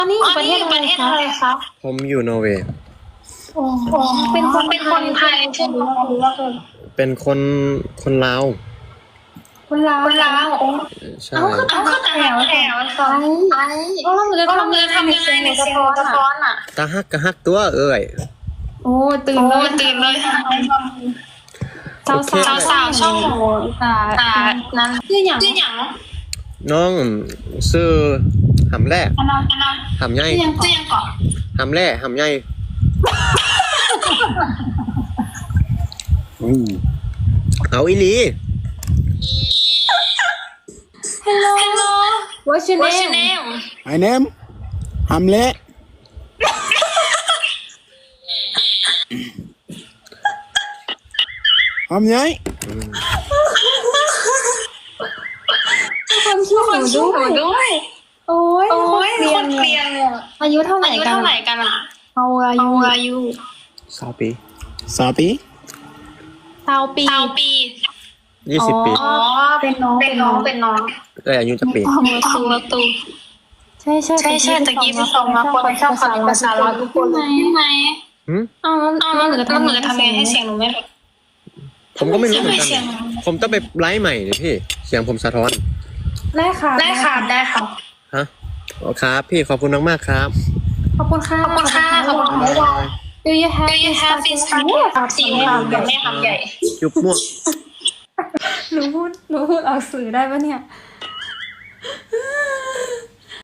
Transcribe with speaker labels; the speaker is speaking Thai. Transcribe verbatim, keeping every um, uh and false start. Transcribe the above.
Speaker 1: อันนี้อยู่ประเทศ
Speaker 2: ประเทศอะไรครับ
Speaker 3: ผมอยู่นอร์เวย์
Speaker 1: โอ้เป็นคน
Speaker 2: เป็นคนไทยใช่ไหม
Speaker 3: เป็นคนคนลาว
Speaker 1: คนลาว
Speaker 2: คนลาว
Speaker 3: ใช่
Speaker 1: เอาคือ
Speaker 2: เอาก็แต่แถวแถว
Speaker 1: ไป
Speaker 2: ก็เราเลยทำเลยทำยังไงในเสียงสะท้อนอ่ะ
Speaker 3: ตาฮักกะฮักตัวเอ้ย
Speaker 1: โอ้ตื่น
Speaker 2: โอ้
Speaker 1: เลย
Speaker 2: ตื่นเลย
Speaker 1: สาว
Speaker 3: โอเค
Speaker 1: สาว
Speaker 2: สาวช่อง
Speaker 1: ตา
Speaker 2: ตานั้น
Speaker 1: ชื่ออย่าง
Speaker 2: ชื่ออย่าง
Speaker 3: น้องซื้อหำแร่
Speaker 2: อันนั้นอันนั้น
Speaker 3: หำใหญ่
Speaker 2: ชื่อยังชื่อยังก่อน
Speaker 3: หำแร่หำใหญ่อืมเอาอีหลี
Speaker 1: ฮัลโหล
Speaker 2: Hello
Speaker 1: What's your
Speaker 2: What's your
Speaker 1: name
Speaker 2: name
Speaker 4: My name Hamlet. Hàm nhái.
Speaker 1: คนชื่อหนู
Speaker 2: ชื่อห
Speaker 1: ด้
Speaker 2: นู
Speaker 1: วย
Speaker 2: ด้วย
Speaker 1: โอ้ย
Speaker 2: โอ้ย
Speaker 1: เรี
Speaker 2: ค
Speaker 1: ยน
Speaker 2: น
Speaker 1: เนี่
Speaker 2: เรีย
Speaker 1: ย
Speaker 2: นเนี่ย
Speaker 1: อายุเท่าไหร่
Speaker 2: อายุ
Speaker 1: กัน
Speaker 2: เท่าไหร่กันอ่ะ
Speaker 1: เอาอายุ
Speaker 2: เอาอายุ
Speaker 3: สาวปี
Speaker 4: Sapi.
Speaker 1: สาวปี
Speaker 2: สาวปี
Speaker 3: ยี่สิบปี
Speaker 2: อ๋อ
Speaker 1: เป็นน้อง
Speaker 2: เป็นน้องเป็นน้อง
Speaker 3: เอ้ยอายุจะปี
Speaker 2: ประตูประตู
Speaker 1: ใช่ใช่
Speaker 2: ใช่ใช่ตะกี้ที่ส่งมาคนชอบฟังภาษาลาวทุกคนใช่ไหม
Speaker 3: หืม
Speaker 1: อ้าว
Speaker 2: อ้าว
Speaker 1: แล้
Speaker 2: แล้ว ว
Speaker 1: หนูจะ
Speaker 2: แล้ว
Speaker 1: ทำ
Speaker 2: หนูจะทำยังไงให้เสียงหนูไม่แบบ
Speaker 3: ผมก็ไม่รู้เหมือนกั
Speaker 2: ทำไมเสียง
Speaker 3: น ผมต้องไปไลฟ์ใหม่เลยพี่ เสียงผมสะท้อน
Speaker 1: ได้ค่ะ
Speaker 2: ได้ค่ะได้ค่ะ
Speaker 3: ฮะอ๋อครับ พี่ขอบคุณมากๆครับ
Speaker 1: ขอบคุณค่ะ
Speaker 2: ขอบคุณค่ะขอบคุณค่ะ
Speaker 1: Do you have
Speaker 2: Do you have this packet สีไม่ทำแบบไม่ทำใหญ่
Speaker 3: จุ๊บมั่ว
Speaker 1: หนูพูดหนูพูดออกสื่อได้ปะเนี่ย